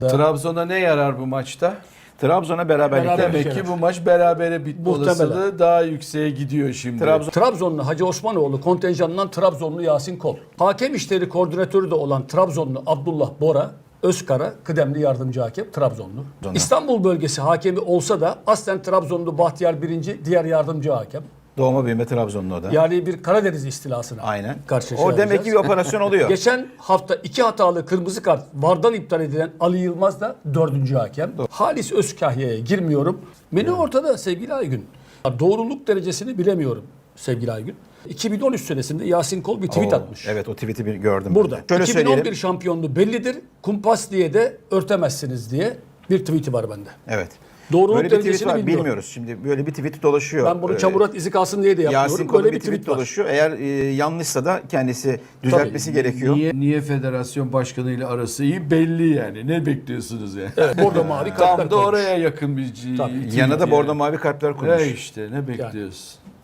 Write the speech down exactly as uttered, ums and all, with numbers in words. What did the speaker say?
Trabzon'a ne yarar bu maçta? Trabzon'a beraberlik. Beraber- Demek ki bu maç berabere bitme Muhtemelen. olasılığı daha yükseğe gidiyor şimdi. Trabzon Trabzonlu Hacı Osmanoğlu kontenjanından Trabzonlu Yasin Kol. Hakem işleri koordinatörü de olan Trabzonlu Abdullah Bora Özkara, kıdemli yardımcı hakem Trabzonlu. Trabzonlu. İstanbul bölgesi hakemi olsa da aslen Trabzonlu Bahtiyar Birinci diğer yardımcı hakem. doğma büyüme Trabzonlu o da. Yani bir Karadeniz istilasına Aynen. karşı O demek ki bir operasyon oluyor. Geçen hafta iki hatalı kırmızı kart vardan iptal edilen Ali Yılmaz da dördüncü hakem. Halis Özkahya'ya girmiyorum. Menü ortada sevgili Aygün. Doğruluk derecesini bilemiyorum sevgili Aygün. iki bin on üç senesinde Yasin Kol bir tweet Oo, atmış. Evet, o tweet'i bir gördüm. Burada. ben de. Şöyle iki bin on bir söyleyelim. şampiyonluğu bellidir. Kumpas diye de örtemezsiniz diye bir tweet'i var bende. Evet. Doğruluk Böyle bir tweet derecesini var, bilmiyorum. bilmiyoruz. Şimdi böyle bir tweet dolaşıyor. Ben bunu Ee, çamurat izi kalsın diye de yapmıyorum. Yasin Kol'un Böyle bir bir tweet, tweet var. dolaşıyor. Eğer e, yanlışsa da kendisi düzeltmesi gerekiyor. Niye, niye federasyon başkanı ile arası iyi belli yani. Ne bekliyorsunuz yani? Evet, bordo mavi kartlar Tam da koymuş. oraya yakın bir Tabii. tweet Yanına da yani. bordo mavi kartlar koymuş. E işte ne bekliyorsun?